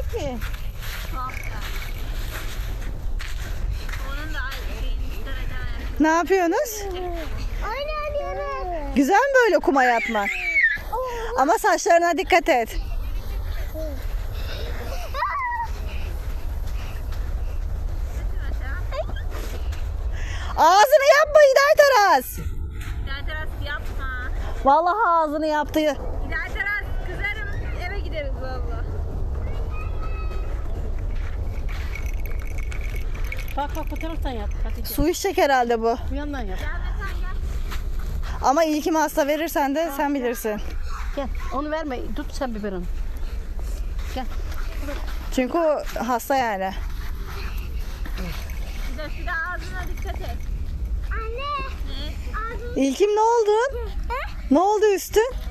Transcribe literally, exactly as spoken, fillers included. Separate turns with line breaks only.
ki.
Onun da
Ne yapıyorsunuz?
Oynanıyoruz.
Güzel mi böyle kuma yatmak? Ama saçlarına dikkat et. Ağzını yapma İday Taras.
İlahi Teras yapma.
Vallahi ağzını yaptı.
İlahi Teras kızarım, eve gideriz valla.
Bak bak bu taraftan yap Hatice.
Su içecek herhalde bu.
Bu yandan yap.
Gel Metan gel.
Ama iyi ki hasta verirsen de sen bilirsin.
Gel onu verme. Tut sen biberini. Gel.
Çünkü o hasta yani.
Bir de şu da ağzına dikkat et.
Anne.
Ne?
Ağzını
İlkim ne oldu? Ne oldu üstün?